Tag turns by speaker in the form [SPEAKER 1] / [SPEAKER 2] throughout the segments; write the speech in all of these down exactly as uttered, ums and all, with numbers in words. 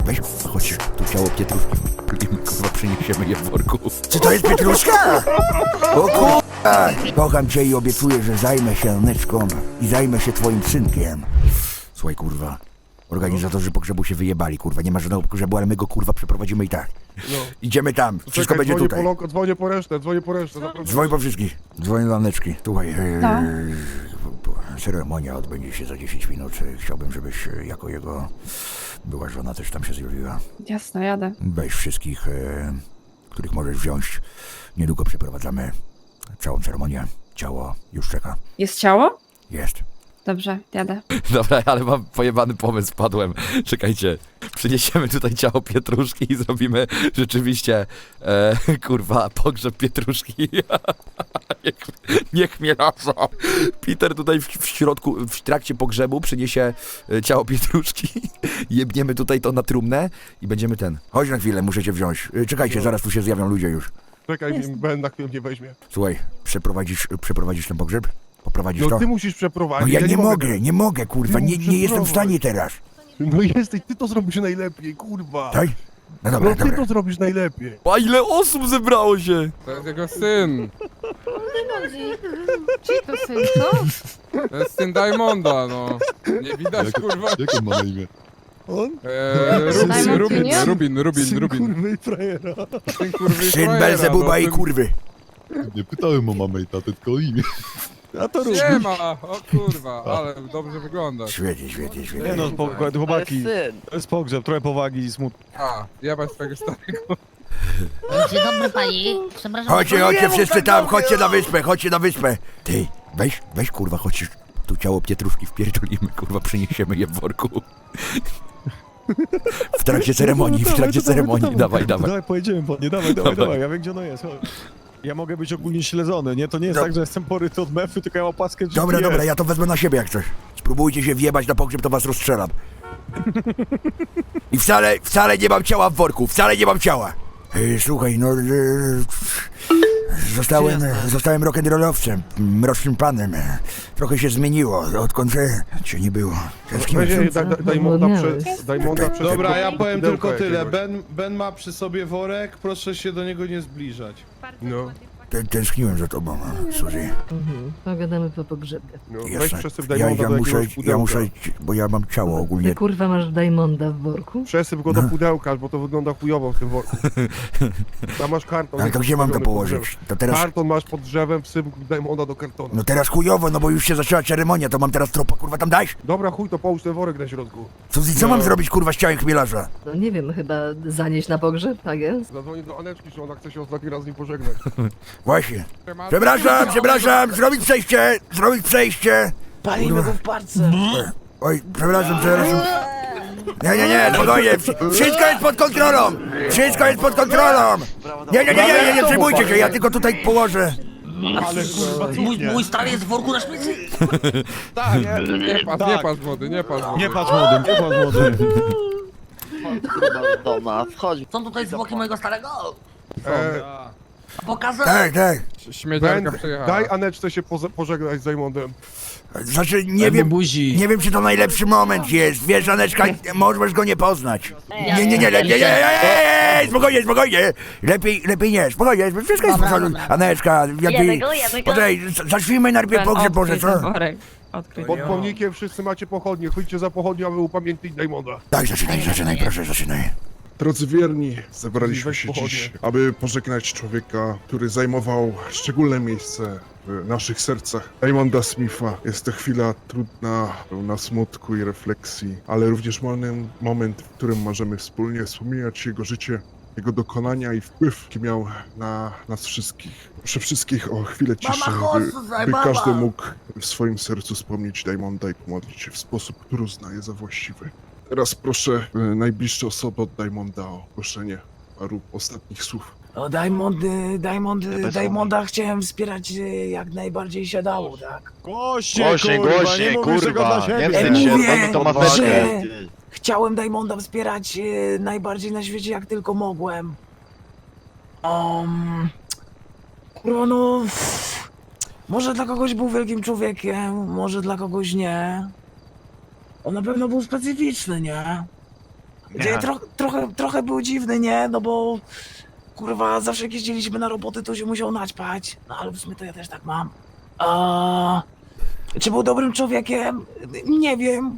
[SPEAKER 1] weź, chodź, tu ciało Pietruszki, kurwa, przyniesiemy je w worku. Czy to jest Pietruszka? O kurwa! Kocham cię i obiecuję, że zajmę się Aneczką i zajmę się twoim synkiem. Słuchaj, kurwa, organizatorzy pogrzebu się wyjebali, kurwa, nie ma żadnego pogrzebu, ale my go, kurwa, przeprowadzimy i tak. No. Idziemy tam, wszystko
[SPEAKER 2] Czekaj,
[SPEAKER 1] będzie
[SPEAKER 2] dzwonię
[SPEAKER 1] tutaj.
[SPEAKER 2] Po, dzwonię po resztę, dzwonię po resztę. Naprawdę.
[SPEAKER 1] Dzwoń po wszystkich, dzwoń do Aneczki. Słuchaj,
[SPEAKER 3] No.
[SPEAKER 1] e, ceremonia odbędzie się za dziesięć minut. Chciałbym, żebyś e, jako jego była żona też tam się zjawiła.
[SPEAKER 3] Jasno, jadę.
[SPEAKER 1] Weź wszystkich, e, których możesz wziąć. Niedługo przeprowadzamy całą ceremonię. Ciało już czeka.
[SPEAKER 3] Jest ciało?
[SPEAKER 1] Jest.
[SPEAKER 3] Dobrze, jadę.
[SPEAKER 4] Dobra, ale mam pojebany pomysł, padłem. Czekajcie, przyniesiemy tutaj ciało Pietruszki i zrobimy rzeczywiście, e, kurwa, pogrzeb Pietruszki. niech, niech mnie nasa. Peter tutaj w, w środku, w trakcie pogrzebu przyniesie e, ciało Pietruszki. Jebniemy tutaj to na trumnę i będziemy ten.
[SPEAKER 1] Chodź na chwilę, muszę cię wziąć. E, Czekajcie, zaraz tu się zjawią ludzie już.
[SPEAKER 2] Czekaj, Ben na chwilę mnie weźmie.
[SPEAKER 1] Słuchaj, przeprowadzisz, przeprowadzisz ten pogrzeb? Poprowadzisz
[SPEAKER 2] No
[SPEAKER 1] to?
[SPEAKER 2] ty musisz
[SPEAKER 1] No
[SPEAKER 2] przeprowadzić.
[SPEAKER 1] ja nie mogę, nie mogę, kurwa,
[SPEAKER 2] Ty
[SPEAKER 1] nie,
[SPEAKER 2] musisz
[SPEAKER 1] nie jestem w stanie
[SPEAKER 2] przeprowadzić.
[SPEAKER 1] teraz.
[SPEAKER 2] No jesteś, ty to zrobisz najlepiej, kurwa.
[SPEAKER 1] Tak? No dobra,
[SPEAKER 2] No ty
[SPEAKER 1] dobra.
[SPEAKER 2] to zrobisz najlepiej.
[SPEAKER 4] A ile osób zebrało się?
[SPEAKER 5] To jest jego syn.
[SPEAKER 3] Czy to syn, co?
[SPEAKER 5] To jest syn Diamonda, no. Nie widać, kurwa.
[SPEAKER 6] Jak on ma na imię?
[SPEAKER 2] On?
[SPEAKER 5] Eee, Rubin,
[SPEAKER 3] Diamond
[SPEAKER 5] Rubin,
[SPEAKER 3] Junior?
[SPEAKER 5] Rubin, Rubin,
[SPEAKER 2] Syn
[SPEAKER 5] Rubin.
[SPEAKER 2] kurwy i frajera.
[SPEAKER 5] Syn kurwy i
[SPEAKER 1] Syn
[SPEAKER 5] frajera,
[SPEAKER 1] Belzebuba
[SPEAKER 5] no,
[SPEAKER 1] i
[SPEAKER 5] syn-
[SPEAKER 1] kurwy.
[SPEAKER 6] Nie pytałem o mamę i tatę, tylko o imię.
[SPEAKER 2] A to rób.
[SPEAKER 5] Nie ma, o kurwa, ale dobrze wygląda.
[SPEAKER 1] Świetnie, świetnie,
[SPEAKER 7] Nie
[SPEAKER 1] świetnie.
[SPEAKER 7] no, po, chłopaki, to jest pogrzeb, trochę powagi i smutku.
[SPEAKER 5] A, jebać swojego starego.
[SPEAKER 8] Dzień dobry pani, przepraszam.
[SPEAKER 1] Chodźcie, chodźcie wszyscy tam, chodźcie na wyspę, chodźcie na wyspę. Ty, weź, weź kurwa, chodź, tu ciało Pietruszki wpierdolimy, kurwa, przyniesiemy je w worku. W trakcie ceremonii, w trakcie ceremonii, dawaj, dawaj.
[SPEAKER 7] Dawaj, pojedziemy po nie, dawaj, dawaj,
[SPEAKER 4] Dawaj.
[SPEAKER 7] dawaj, ja wiem gdzie ono jest, chodź. Ja mogę być ogólnie śledzony, nie? To nie jest
[SPEAKER 1] No.
[SPEAKER 7] tak, że jestem poryty od mefy, tylko ja mam opaskę G P S.
[SPEAKER 1] Dobra, dobra, ja to wezmę na siebie jak coś. Spróbujcie się wjebać na pogrzeb, to was rozstrzelam. I wcale, wcale nie mam ciała w worku, wcale nie mam ciała. Ej, słuchaj, no... E, zostałem, zostałem rock'n'rollowcem, mrocznym panem. Trochę się zmieniło, odkąd e, cię nie było. Z kim
[SPEAKER 2] Weź,
[SPEAKER 1] jestem?
[SPEAKER 2] daj, daj, daj Monda przez... Daj Monda przez...
[SPEAKER 9] Dobra, ja powiem
[SPEAKER 2] pudełko
[SPEAKER 9] tylko tyle.
[SPEAKER 2] jakiegoś.
[SPEAKER 9] Ben, Ben ma przy sobie worek, proszę się do niego nie zbliżać.
[SPEAKER 2] No,
[SPEAKER 1] Tę- Tęskniłem za tobą, Suzy.
[SPEAKER 8] Mhm, pogadamy po pogrzebie.
[SPEAKER 2] no. Weź
[SPEAKER 1] Jasne.
[SPEAKER 2] przesyp
[SPEAKER 1] Ja,
[SPEAKER 2] Diamonda
[SPEAKER 1] ja
[SPEAKER 2] do
[SPEAKER 1] muszę,
[SPEAKER 2] jakiegoś
[SPEAKER 1] ja
[SPEAKER 2] pudełka.
[SPEAKER 1] muszę, bo ja mam ciało ogólnie.
[SPEAKER 8] Ty kurwa masz Diamonda w worku?
[SPEAKER 2] Przesyp go do
[SPEAKER 1] No.
[SPEAKER 2] pudełka, bo to wygląda chujowo w tym worku. Tam masz karton.
[SPEAKER 1] Ale to gdzie mam to
[SPEAKER 2] postawiony pod
[SPEAKER 1] położyć?
[SPEAKER 2] drzewem.
[SPEAKER 1] To teraz...
[SPEAKER 2] Karton masz pod drzewem, wsyp Diamonda do kartonu.
[SPEAKER 1] No teraz chujowo, no bo już się zaczęła ceremonia, to mam teraz tropa, kurwa, tam dać?
[SPEAKER 2] Dobra, chuj, to połóż ten worek na środku.
[SPEAKER 1] Suzy, co
[SPEAKER 2] No.
[SPEAKER 1] mam zrobić, kurwa, z ciałem chmielarza?
[SPEAKER 8] No nie wiem, chyba zanieść na pogrzeb, tak jest?
[SPEAKER 2] Zadzwonię do Aneczki, że ona chce się ostatni raz z nim pożegnać.
[SPEAKER 1] Właśnie. Przepraszam, przepraszam, zrobić przejście, zrobić przejście.
[SPEAKER 7] Palimy go w parce.
[SPEAKER 1] Oj, przepraszam, przepraszam. Nie, nie, nie, spokojnie, wsz- wszystko jest pod kontrolą, wszystko jest pod kontrolą. Nie, nie, nie, nie, nie, nie przejmujcie się, ja tylko tutaj położę.
[SPEAKER 2] Ale kurwa,
[SPEAKER 8] Mój, mój stary jest w worku na śmieci?
[SPEAKER 5] Tak, nie, nie patrz, nie
[SPEAKER 7] Tak.
[SPEAKER 5] patrz wody, nie patrz wody.
[SPEAKER 7] Nie patrz młodym, nie patrz młodym.
[SPEAKER 8] Są tutaj zwłoki mojego starego?
[SPEAKER 2] e,
[SPEAKER 8] Pokażę!
[SPEAKER 1] Tak, tak.
[SPEAKER 5] Śmiedziarka
[SPEAKER 2] Ben,
[SPEAKER 5] przejechała.
[SPEAKER 2] daj Aneczce się poze- pożegnać z Diamondem.
[SPEAKER 1] Znaczy, nie wiem, nie wiem, czy to najlepszy moment jest. Wiesz, Aneczka, możesz go nie poznać. Nie, nie, nie, lepiej, nie, nie, nie, nie, spokojnie, spokojnie. Lepiej, lepiej nie, spokojnie, wszystko jest w
[SPEAKER 8] Dobra,
[SPEAKER 1] porządku.
[SPEAKER 8] dobra.
[SPEAKER 1] Aneczka, lepiej...
[SPEAKER 8] Jednego, jednego.
[SPEAKER 1] Poczekaj, zacznijmy najpierw pogrzeb, może, co?
[SPEAKER 2] Pod pomnikiem wszyscy macie pochodnie, chodźcie za pochodnią, aby upamiętnić Diamonda.
[SPEAKER 1] Tak, zaczynaj, zaczynaj, proszę, zaczynaj.
[SPEAKER 10] Drodzy wierni, zebraliśmy
[SPEAKER 2] Weź
[SPEAKER 10] się
[SPEAKER 2] pochodnie.
[SPEAKER 10] dziś, aby pożegnać człowieka, który zajmował szczególne miejsce w naszych sercach. Diamonda Smitha. Jest to chwila trudna, pełna smutku i refleksji, ale również moment, moment, w którym możemy wspólnie wspominać jego życie, jego dokonania i wpływ, jaki miał na nas wszystkich. Proszę wszystkich o chwilę ciszy, by, by każdy mógł w swoim sercu wspomnieć Diamonda i pomodlić się w sposób, który uznaje za właściwy. Teraz proszę e, najbliższe osoby od Diamonda o ogłoszenie paru ostatnich słów.
[SPEAKER 11] No Diamond, y, Diamond, y, Diamonda chciałem wspierać y, jak najbardziej się dało, tak?
[SPEAKER 7] Głośnie,
[SPEAKER 9] Głośniej,
[SPEAKER 7] kurwa,
[SPEAKER 9] głośniej,
[SPEAKER 7] nie mówisz tego
[SPEAKER 9] kurwa,
[SPEAKER 7] dla siebie.
[SPEAKER 9] nie
[SPEAKER 11] Ja
[SPEAKER 9] wstydź się,
[SPEAKER 11] mówię,
[SPEAKER 9] to ma
[SPEAKER 11] że
[SPEAKER 9] ważkę.
[SPEAKER 11] chciałem Diamonda wspierać y, najbardziej na świecie jak tylko mogłem. Um, kurwa no, pff, może dla kogoś był wielkim człowiekiem, może dla kogoś nie. On na pewno był specyficzny, nie? Nie, tro, trochę, trochę był dziwny, nie? No bo kurwa, zawsze jak jeździliśmy na roboty, to się musiał naćpać. No ale w sumie to ja też tak mam. A, czy był dobrym człowiekiem? Nie wiem.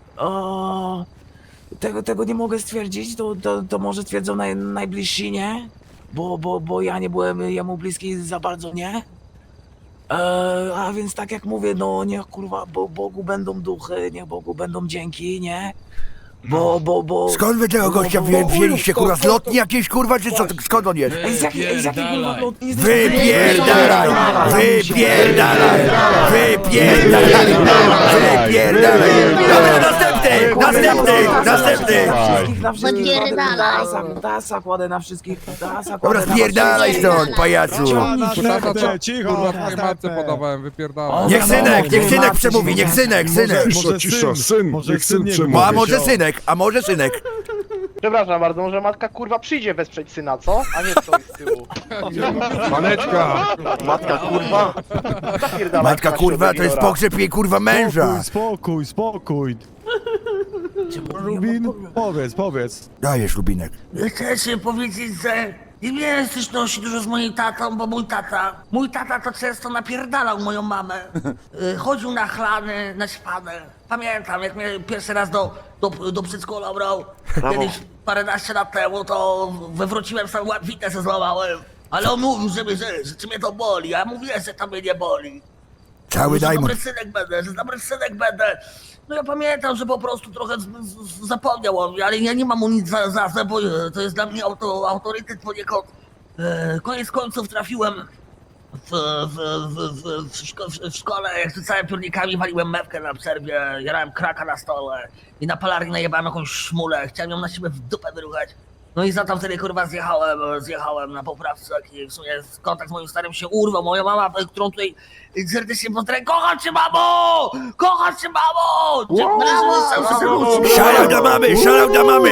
[SPEAKER 11] A, tego, tego nie mogę stwierdzić, to, to, to może stwierdzą naj, najbliżsi, nie? Bo, bo, bo ja nie byłem jemu bliski za bardzo, nie? E, a więc tak jak mówię, no niech kurwa Bo, Bogu będą duchy, niech Bogu będą dzięki, nie? Bo, bo, bo...
[SPEAKER 1] Skąd wy tego gościa wzię, wzięliście, kurwa, z lotni jakiejś, kurwa, czy co, skąd on jest?
[SPEAKER 11] Ej, z jakiej, z jakiej kurwa lotni?
[SPEAKER 1] Wypierdalaj! Wypierdalaj! Wypierdalaj! Wypierdalaj! Dobra, następny! Następny! Następny!
[SPEAKER 11] Wszystkich na wszystkich
[SPEAKER 8] Wypierdalaj.
[SPEAKER 11] Tasa, tasa kładę na wszystkich, tasa kładę
[SPEAKER 1] Dobra,
[SPEAKER 11] na
[SPEAKER 1] spierdalaj stąd, pajacu!
[SPEAKER 7] Następny, cicho,
[SPEAKER 5] Kurwa, twojej matce
[SPEAKER 7] następny.
[SPEAKER 5] podawałem, wypierdalaj.
[SPEAKER 1] Niech synek, niech synek przemówi, niech synek, synek!
[SPEAKER 10] Cisza, cisza, syn,
[SPEAKER 7] może
[SPEAKER 10] niech syn
[SPEAKER 7] syn nie
[SPEAKER 10] przemówi.
[SPEAKER 1] A może synek, a może synek?
[SPEAKER 12] Przepraszam bardzo, może matka kurwa przyjdzie wesprzeć syna, co? A nie stoi z tyłu.
[SPEAKER 2] Maneczka!
[SPEAKER 12] Matka kurwa? Zapierdalaj,
[SPEAKER 1] Matka kurwa, to jest pogrzeb jej kurwa męża!
[SPEAKER 7] Spokój, spokój, spokój. Rubin, powiedz, powiedz.
[SPEAKER 1] Dajesz, Lubinek.
[SPEAKER 8] Chcę ci powiedzieć, że nie miałem styczności dużo z moim tatą, bo mój tata, mój tata to często napierdalał moją mamę. Y, Chodził na chlany, na śpane. Pamiętam, jak mnie pierwszy raz do, do, do przedszkola brał, kiedyś paręnaście lat temu, to wywróciłem sam łatwitę, se złamałem. Ale on mówił, że, mnie, że, że czy mnie to boli, a ja mówiłem, że to mnie nie boli.
[SPEAKER 1] Cały
[SPEAKER 8] Że
[SPEAKER 1] Diamond.
[SPEAKER 8] dobry synek będę, że dobry synek będę. No ja pamiętam, że po prostu trochę z, z, zapomniał o mnie, ale ja nie mam mu nic za, za, za bo e, to jest dla mnie auto, autorytet poniekąd. E, koniec końców trafiłem w, w, w, w, w, szko, w, w szkole, jak rzucałem piórnikami, waliłem mewkę na przerwie, jarałem kraka na stole i na palarni najebałem jakąś szmulę, chciałem ją na siebie w dupę wyruchać. No i za to wtedy kurwa zjechałem, zjechałem na poprawce i w sumie kontakt z moim starym się urwał. Moja mama, którą tutaj serdecznie pozdrawiam, kocham cię mamo! Kocham cię mamo! Dziękuję, że cały serduszko.
[SPEAKER 1] Szalał do mamy, szalał do mamy!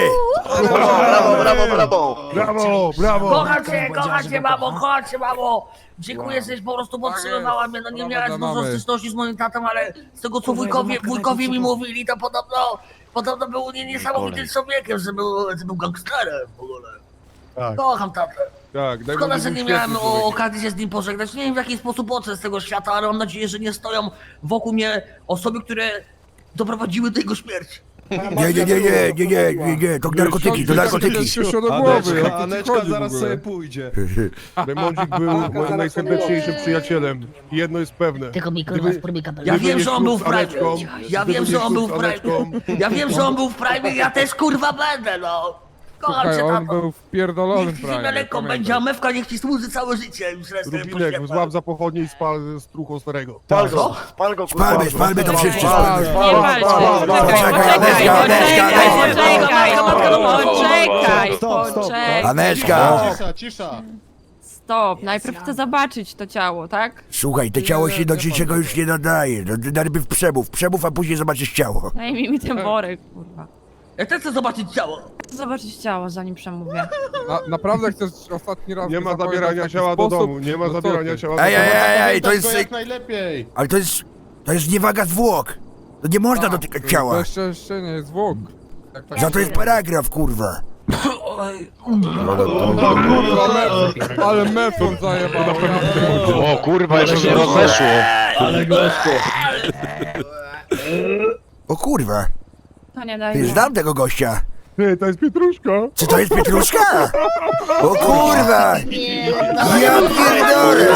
[SPEAKER 12] Brawo, brawo, brawo!
[SPEAKER 2] Brawo, brawo!
[SPEAKER 8] Kocham cię, kocham cię mamo, kocham cię mamo! Dziękuję, żeś po prostu podtrzymywała mnie, no nie
[SPEAKER 5] Brawo
[SPEAKER 8] miałem
[SPEAKER 5] dla
[SPEAKER 8] dużo
[SPEAKER 5] mamy.
[SPEAKER 8] styczności z moim tatą, ale z tego co wujkowie, wujkowie mi mówili, to podobno, podobno był nie, niesamowitym człowiekiem, że był, że był gangsterem w ogóle.
[SPEAKER 2] Tak.
[SPEAKER 8] Kocham tatę.
[SPEAKER 2] Tak, daj
[SPEAKER 8] Szkoda,
[SPEAKER 2] mu
[SPEAKER 8] że nie
[SPEAKER 2] świetny
[SPEAKER 8] miałem
[SPEAKER 2] człowiek.
[SPEAKER 8] okazji się z nim pożegnać. Nie wiem w jaki sposób odszedł z tego świata, ale mam nadzieję, że nie stoją wokół mnie osoby, które doprowadziły do jego śmierci.
[SPEAKER 1] Nie, nie, nie, nie, nie, nie, nie, nie, to narkotyki, to narkotyki.
[SPEAKER 5] Przyszło do głowy, jak
[SPEAKER 9] Aneczka,
[SPEAKER 5] to ci
[SPEAKER 9] Aneczka
[SPEAKER 5] chodzi w
[SPEAKER 9] zaraz
[SPEAKER 5] ogóle?
[SPEAKER 9] sobie pójdzie.
[SPEAKER 2] Remondzik był moim najserdeczniejszym przyjacielem. I jedno jest pewne.
[SPEAKER 8] Tylko mi
[SPEAKER 2] kurwa,
[SPEAKER 8] kurwa
[SPEAKER 2] spróbuj
[SPEAKER 8] Ja
[SPEAKER 2] Gdyby
[SPEAKER 8] wiem,
[SPEAKER 2] nie
[SPEAKER 8] że on był w
[SPEAKER 2] ślub z
[SPEAKER 8] prime.
[SPEAKER 2] Aneczką,
[SPEAKER 8] Ja
[SPEAKER 2] gdyby
[SPEAKER 8] wiem,
[SPEAKER 2] nie
[SPEAKER 8] że on
[SPEAKER 2] ślub
[SPEAKER 8] był
[SPEAKER 2] z
[SPEAKER 8] w prime.
[SPEAKER 2] Aneczką,
[SPEAKER 8] Ja wiem, że on był w prime i ja też kurwa będę, no. Kocham
[SPEAKER 5] Słuchaj,
[SPEAKER 8] cię,
[SPEAKER 5] on
[SPEAKER 8] tato.
[SPEAKER 5] był w pierdolonym
[SPEAKER 8] Niech ci ziemia
[SPEAKER 5] prime,
[SPEAKER 8] lekką
[SPEAKER 5] pamiętam.
[SPEAKER 8] będzie, a mewka niech ci służy całe życie. Już resztę
[SPEAKER 2] Rubinek,
[SPEAKER 8] poświęcam.
[SPEAKER 2] złap za pochodnie i spal z truchą starego.
[SPEAKER 12] Spal go, spal go kurwa.
[SPEAKER 1] Spalmy, spalmy to wszyscy,
[SPEAKER 5] Spal,
[SPEAKER 1] spalmy.
[SPEAKER 5] spal,
[SPEAKER 3] Nie walczcie,
[SPEAKER 5] spal,
[SPEAKER 3] poczekaj,
[SPEAKER 5] spal.
[SPEAKER 3] poczekaj,
[SPEAKER 1] Aneczka,
[SPEAKER 3] poczekaj,
[SPEAKER 1] Aneczka.
[SPEAKER 3] poczekaj, poczekaj,
[SPEAKER 7] Stop, stop.
[SPEAKER 3] poczekaj.
[SPEAKER 1] Aneczka!
[SPEAKER 6] Cisza, cisza.
[SPEAKER 3] Stop, najpierw chcę zobaczyć to ciało, tak?
[SPEAKER 1] Słuchaj, to ciało się do niczego już nie nadaje. No, najpierw przemów, przemów, a później zobaczysz ciało.
[SPEAKER 3] Daj mi mi ten worek, kurwa.
[SPEAKER 8] Ja też chcę zobaczyć ciało.
[SPEAKER 3] Chcę zobaczyć ciało, zanim przemówię.
[SPEAKER 5] Na, naprawdę chcesz ostatni raz
[SPEAKER 2] Nie
[SPEAKER 5] mi
[SPEAKER 2] ma
[SPEAKER 5] zapowiadać
[SPEAKER 2] zabierania
[SPEAKER 5] taki
[SPEAKER 2] ciała do
[SPEAKER 5] sposób?
[SPEAKER 2] domu, nie ma
[SPEAKER 5] No co
[SPEAKER 2] zabierania
[SPEAKER 5] ty?
[SPEAKER 2] ciała do
[SPEAKER 1] Ej, ej,
[SPEAKER 2] domu.
[SPEAKER 1] ej, ej, to
[SPEAKER 6] To
[SPEAKER 1] jest...
[SPEAKER 6] jak najlepiej.
[SPEAKER 1] Ale to jest... To jest niewaga zwłok. To nie można dotykać
[SPEAKER 5] To
[SPEAKER 1] ciała.
[SPEAKER 5] jeszcze, jeszcze nie jest zwłok. Jak tak-
[SPEAKER 1] Za to jest paragraf, kurwa.
[SPEAKER 5] Kurwa, mef, ale mefon zajebał.
[SPEAKER 6] O kurwa, jeszcze się rozeszło.
[SPEAKER 1] O kurwa,
[SPEAKER 3] To nie
[SPEAKER 1] ty
[SPEAKER 3] daj.
[SPEAKER 1] znam tego gościa.
[SPEAKER 2] Ty, to jest Pietruszka.
[SPEAKER 1] Czy to jest Pietruszka? O kurwa! Ja pierdolę!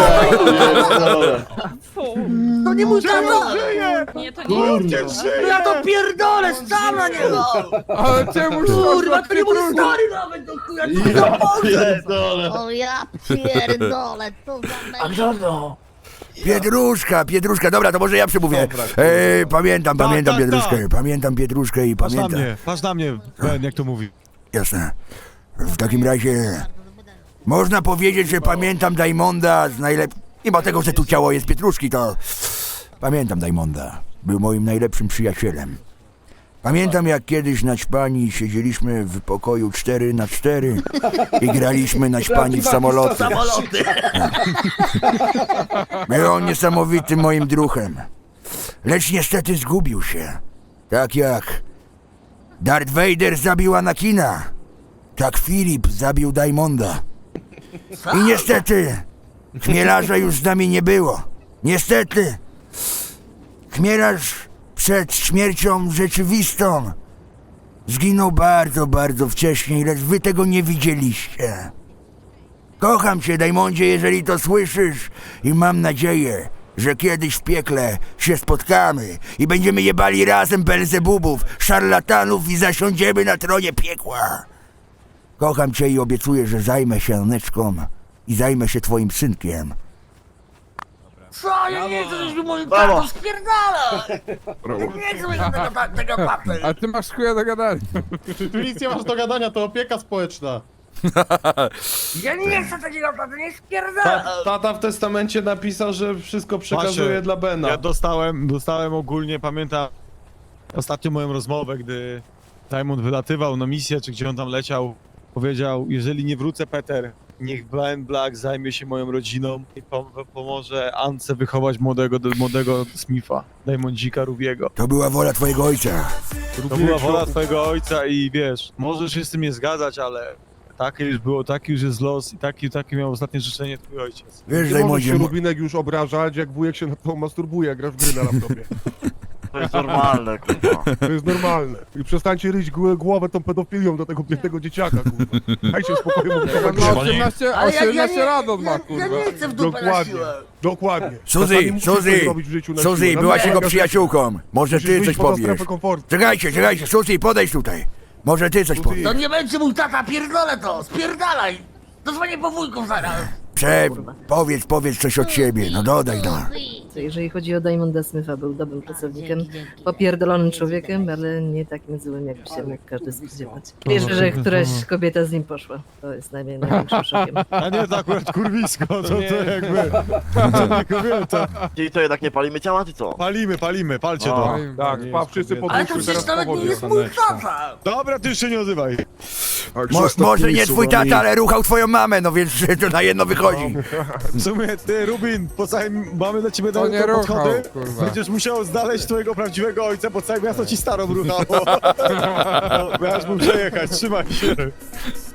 [SPEAKER 3] Fu,
[SPEAKER 8] To nie mój tata!
[SPEAKER 3] nie, to nie jest.
[SPEAKER 8] No ja to pierdolę, stam na niego!
[SPEAKER 5] Ale czemu
[SPEAKER 8] Kurwa, to nie mój stary nawet do chuja, co to może?
[SPEAKER 13] O ja pierdolę, to za
[SPEAKER 11] A kto to?
[SPEAKER 1] Pietruszka, Pietruszka, dobra, to może ja przemówię. Ej, pamiętam,
[SPEAKER 7] Tak,
[SPEAKER 1] pamiętam
[SPEAKER 7] tak,
[SPEAKER 1] Pietruszkę,
[SPEAKER 7] tak.
[SPEAKER 1] pamiętam Pietruszkę i
[SPEAKER 7] Patrz na
[SPEAKER 1] pamiętam.
[SPEAKER 7] mnie, patrz na mnie, Ben, jak to mówi.
[SPEAKER 1] Jasne. W takim razie można powiedzieć, że pamiętam Diamonda z najlep... Mimo tego, że tu ciało jest Pietruszki, to pamiętam Diamonda. Był moim najlepszym przyjacielem. Pamiętam, jak kiedyś na ćpani siedzieliśmy w pokoju cztery na cztery i graliśmy na ćpani w samoloty.
[SPEAKER 8] Samoloty!
[SPEAKER 1] Był on niesamowitym moim druhem. Lecz niestety zgubił się. Tak jak Darth Vader zabił Anakina. Tak Filip zabił Diamonda. I niestety, Chmielarza już z nami nie było. Niestety, Chmielarz przed śmiercią rzeczywistą zginął bardzo, bardzo wcześnie, lecz wy tego nie widzieliście. Kocham cię, Diamondzie, jeżeli to słyszysz i mam nadzieję, że kiedyś w piekle się spotkamy i będziemy jebali razem Belzebubów, szarlatanów i zasiądziemy na tronie piekła. Kocham cię i obiecuję, że zajmę się Neczką i zajmę się twoim synkiem.
[SPEAKER 8] Co? Ja nie chcę, żebyś mi moim tatą spierdala! Ja nie chcę mieć tego, ta- tego taty!
[SPEAKER 5] A ty masz chuja do gadania.
[SPEAKER 6] Tu nic nie masz do gadania, to opieka społeczna.
[SPEAKER 8] Ja nie chcę takiego taty, nie spierdala!
[SPEAKER 9] Ta, tata w testamencie napisał, że wszystko przekazuje
[SPEAKER 7] Macie,
[SPEAKER 9] dla Bena.
[SPEAKER 7] Ja dostałem, dostałem ogólnie, pamiętam ostatnią moją rozmowę, gdy Diamond wylatywał na misję, czy gdzie on tam leciał. Powiedział, jeżeli nie wrócę, Peter, niech Ben Black zajmie się moją rodziną i pom pomoże Ance wychować młodego, młodego Smitha, Diamondzika Rubiego.
[SPEAKER 1] To była wola twojego ojca.
[SPEAKER 7] To była wola twojego ojca i wiesz, możesz się z tym nie zgadzać, ale takie już było, taki już jest los i taki, taki miał ostatnie życzenie twój ojciec.
[SPEAKER 1] Wiesz,
[SPEAKER 2] Nie możesz
[SPEAKER 1] Diamondzie,
[SPEAKER 2] się
[SPEAKER 1] mo-
[SPEAKER 2] Rubinek już obrażać, jak wujek się na to masturbuje, jak grasz w gry na laptopie.
[SPEAKER 12] To jest normalne, kurwa.
[SPEAKER 2] To jest normalne. I przestańcie ryć gł- głowę tą pedofilią do tego biednego dzieciaka, kurwa. Dajcie spokój mu
[SPEAKER 5] On ma osiemnaście,
[SPEAKER 8] Ale ja, ja,
[SPEAKER 5] osiemnaście
[SPEAKER 8] nie,
[SPEAKER 5] lat on
[SPEAKER 8] ja,
[SPEAKER 5] ma,
[SPEAKER 8] ja
[SPEAKER 5] kurwa.
[SPEAKER 8] nie chcę w dupę na
[SPEAKER 2] Dokładnie,
[SPEAKER 8] siłę.
[SPEAKER 2] dokładnie.
[SPEAKER 1] Suzy,
[SPEAKER 2] Czasami musisz coś
[SPEAKER 1] Suzy,
[SPEAKER 2] zrobić w życiu na
[SPEAKER 1] Suzy,
[SPEAKER 2] siłę.
[SPEAKER 1] byłaś
[SPEAKER 2] Naprawdę,
[SPEAKER 1] jego przyjaciółką. Może
[SPEAKER 2] musisz
[SPEAKER 1] ty
[SPEAKER 2] wyjść
[SPEAKER 1] coś
[SPEAKER 2] poza
[SPEAKER 1] powiesz.
[SPEAKER 2] strefę komfortu.
[SPEAKER 1] Czekajcie, czekajcie, Suzy, podejdź tutaj. Może ty coś
[SPEAKER 2] Suzy.
[SPEAKER 1] powiesz.
[SPEAKER 8] To nie będzie mój tata, pierdolę to! Spierdalaj! Dozwonię po wujków zaraz!
[SPEAKER 1] Prze... Powiedz, powiedz coś od siebie, no dodaj no.
[SPEAKER 13] Jeżeli chodzi o Diamonda Smitha, był dobrym pracownikiem, popierdolonym człowiekiem, ale nie takim złym, jakby się mógł każdy spodziewać. Wierzę, że któraś kobieta z nim poszła. To jest najmniej, największym szokiem.
[SPEAKER 7] A nie, to akurat kurwisko, to, to jakby, to nie kobieta.
[SPEAKER 12] Czyli to jednak nie palimy ciała, czy co?
[SPEAKER 7] Palimy, palimy, palcie to.
[SPEAKER 5] Palimy.
[SPEAKER 2] Tak, pa, wszyscy
[SPEAKER 8] Ale to
[SPEAKER 2] podnieśmy
[SPEAKER 8] przecież
[SPEAKER 2] teraz
[SPEAKER 8] nawet nie
[SPEAKER 2] powodnie.
[SPEAKER 8] jest mój tata!
[SPEAKER 7] Dobra, ty już się nie odzywaj.
[SPEAKER 1] Mo może nie twój tata, ale ruchał twoją mamę, no więc to na jedno wychodzi.
[SPEAKER 7] W sumie ty, Rubin, po całym, mamy dla ciebie
[SPEAKER 5] To nie
[SPEAKER 7] te
[SPEAKER 5] ruchał,
[SPEAKER 7] podchody.
[SPEAKER 5] kurwa.
[SPEAKER 7] Będziesz musiał znaleźć twojego prawdziwego ojca, bo całe miasto ci starą ruchało. No, miałeś mu przejechać, trzymaj się.